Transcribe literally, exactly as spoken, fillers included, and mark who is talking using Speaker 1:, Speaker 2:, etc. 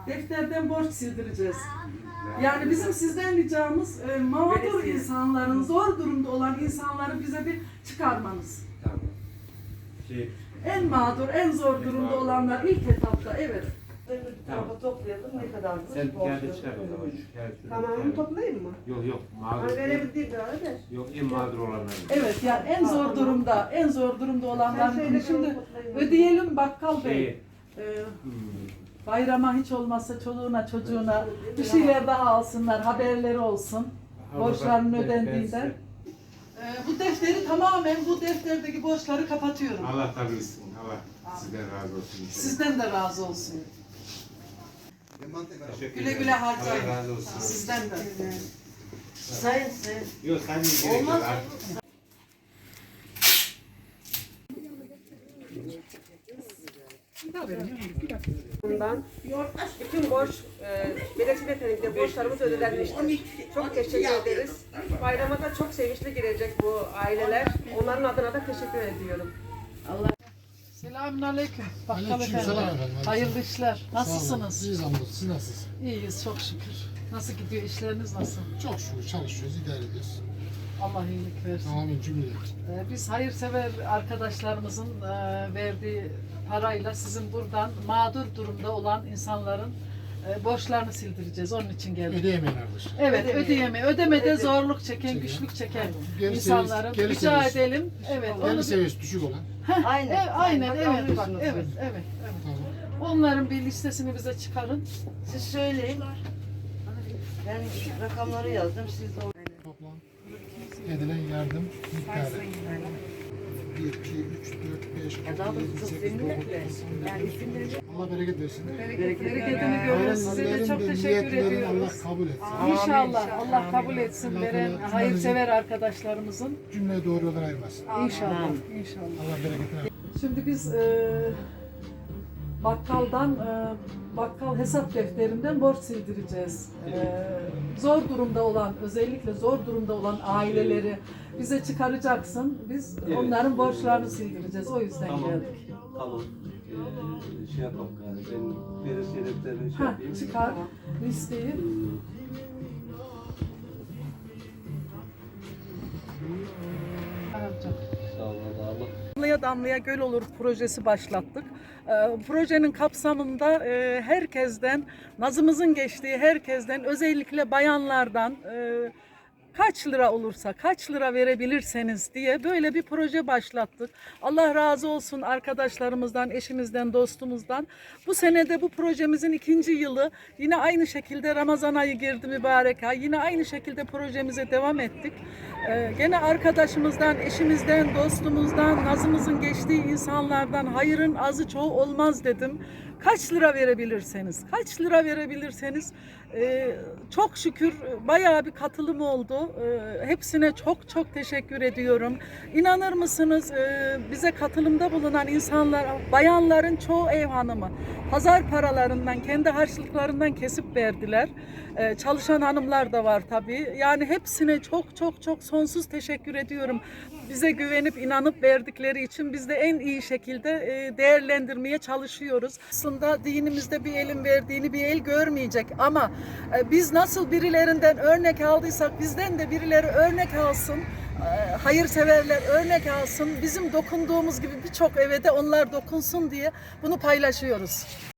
Speaker 1: defterden borç sildireceğiz. Yani bizim sizden ricamız e, mağdur insanların, zor durumda olan insanları bize bir çıkarmanız.
Speaker 2: Tamam. Şey,
Speaker 1: En mağdur, en zor durumda olanlar ilk etapta, evet.
Speaker 3: Tamam. Toplayalım ne kadar?
Speaker 2: sen geldi çıkar o zaman. Şu kağıt şurada
Speaker 3: Tamam,
Speaker 2: bir
Speaker 3: onu
Speaker 2: tane.
Speaker 3: toplayayım mı?
Speaker 2: Yok yok mağdur.
Speaker 3: Hani verebildiğim kadar ver.
Speaker 2: Yok en mağdur olanlar.
Speaker 1: Evet, yani en zor durumda, en zor durumda
Speaker 3: Sen
Speaker 1: olanlar.
Speaker 3: söyle,
Speaker 1: Şimdi
Speaker 3: ben toplayayım.
Speaker 1: ödeyelim Bakkal Bey.
Speaker 2: Şey,
Speaker 1: Ee,
Speaker 2: hmm,
Speaker 1: bayrama hiç olmazsa çoluğuna çocuğuna bir şeyler daha alsınlar, haberleri olsun. Borçlarının
Speaker 2: ben- ben
Speaker 1: ödendiğinden. Ee, bu defteri tamamen bu defterdeki borçları kapatıyorum.
Speaker 2: Allah kabul etsin. Allah sizden razı olsun.
Speaker 1: Sizden de razı olsun.
Speaker 2: Teşekkür
Speaker 1: Güle
Speaker 2: ederim.
Speaker 1: güle harcayın.
Speaker 2: Allah razı olsun.
Speaker 1: Sizden de.
Speaker 3: Sayın sayın.
Speaker 2: Yok sen de gerek yok.
Speaker 3: Olmaz.
Speaker 2: Artık
Speaker 3: Bundan bütün borç, e, belediye yetenekli borçlarımız ödenmiştir. Çok teşekkür ederiz. Bayrama da çok sevinçli girecek bu aileler. Onların adına da teşekkür ediyorum.
Speaker 1: Selamünaleyküm. Bakkal
Speaker 4: Aleykümselam
Speaker 1: efendim.
Speaker 4: efendim.
Speaker 1: Hayırlı işler.
Speaker 4: Sağ olun.
Speaker 1: Nasılsınız?
Speaker 4: İyiyiz hamdolsun. Siz nasılsınız?
Speaker 1: İyiyiz çok şükür. Nasıl gidiyor işleriniz nasıl?
Speaker 4: Çok şükür çalışıyoruz, idare ediyoruz.
Speaker 1: Allah iyilik versin.
Speaker 4: Tamamen cümle.
Speaker 1: Ee, Biz hayırsever arkadaşlarımızın e, verdiği parayla sizin buradan mağdur durumda olan insanların e, borçlarını sildireceğiz. Onun için geldik.
Speaker 4: Ödeyemeyen arkadaşlar.
Speaker 1: Evet,
Speaker 3: Ödeme.
Speaker 1: ödeyeme, ödemede
Speaker 3: Ödeme.
Speaker 1: zorluk çeken,
Speaker 4: Çeken.
Speaker 1: güçlük çeken
Speaker 4: Geri
Speaker 1: insanların
Speaker 4: seviyesi- geri
Speaker 1: rica
Speaker 4: seviyesi.
Speaker 1: edelim. Evet, onu
Speaker 4: Gelir
Speaker 1: bir-
Speaker 4: seviyesi düşük olan.
Speaker 1: Heh,
Speaker 3: Aynen.
Speaker 1: e, aynen,
Speaker 3: Bak,
Speaker 1: evet, bak,
Speaker 3: anlıyorsunuz.
Speaker 1: evet, evet, evet.
Speaker 4: Tamam.
Speaker 1: Onların bir listesini bize çıkarın.
Speaker 3: Siz söyleyin. Ben rakamları yazdım. Siz de
Speaker 4: Toplam edilen yardım miktarı. bir, iki, üç, dört, beş, altı, yedi, sekiz, dokuz, Allah bereket versin.
Speaker 1: Bereketini görün. Size de çok
Speaker 4: Hayırlıların ve
Speaker 1: teşekkür
Speaker 4: niyetlerini
Speaker 1: ediyoruz.
Speaker 4: Allah kabul etsin.
Speaker 1: İnşallah Allah kabul etsin
Speaker 4: Allah
Speaker 1: veren
Speaker 4: kabul-
Speaker 1: hayırsever arkadaşlarımızın.
Speaker 4: Cümleyi doğru yoldan ayırmasın.
Speaker 1: İnşallah, inşallah.
Speaker 4: Allah bereketini versin.
Speaker 1: Şimdi biz e, bakkaldan, e, bakkal hesap defterinden borç sildireceğiz. E, zor durumda olan, özellikle zor durumda olan aileleri bize çıkaracaksın. Biz onların borçlarını sildireceğiz. O yüzden
Speaker 5: Tamam.
Speaker 1: geldik.
Speaker 5: Tamam. Ee, şey yapalım yani ben verir sebeplerini şey
Speaker 1: Ha,
Speaker 5: yapayım.
Speaker 1: çıkar listeyi.
Speaker 5: Sağ olun Allah.
Speaker 1: Damlaya Damlaya Göl Olur projesi başlattık. Ee, projenin kapsamında e, herkesten, nazımızın geçtiği herkesten, özellikle bayanlardan e, kaç lira olursa, kaç lira verebilirseniz diye böyle bir proje başlattık. Allah razı olsun arkadaşlarımızdan, eşimizden, dostumuzdan. Bu senede bu projemizin ikinci yılı, yine aynı şekilde Ramazan ayı girdi, mübarek ay. Yine aynı şekilde projemize devam ettik. Ee, gene arkadaşımızdan, eşimizden, dostumuzdan, nazımızın geçtiği insanlardan hayırın azı çoğu olmaz dedim. Kaç lira verebilirseniz, kaç lira verebilirseniz e, çok şükür bayağı bir katılım oldu. E, hepsine çok çok teşekkür ediyorum. İnanır mısınız e, bize katılımda bulunan insanlar, bayanların çoğu ev hanımı. Pazar paralarından, kendi harçlıklarından kesip verdiler. E, çalışan hanımlar da var tabii. Yani hepsine çok çok çok sonsuz teşekkür ediyorum. Bize güvenip inanıp verdikleri için biz de en iyi şekilde e, değerlendirmeye çalışıyoruz. Aslında dinimizde bir elin verdiğini bir el görmeyecek ama e, biz nasıl birilerinden örnek aldıysak bizden de birileri örnek alsın. E, hayırseverler örnek alsın. Bizim dokunduğumuz gibi birçok eve de onlar dokunsun diye bunu paylaşıyoruz.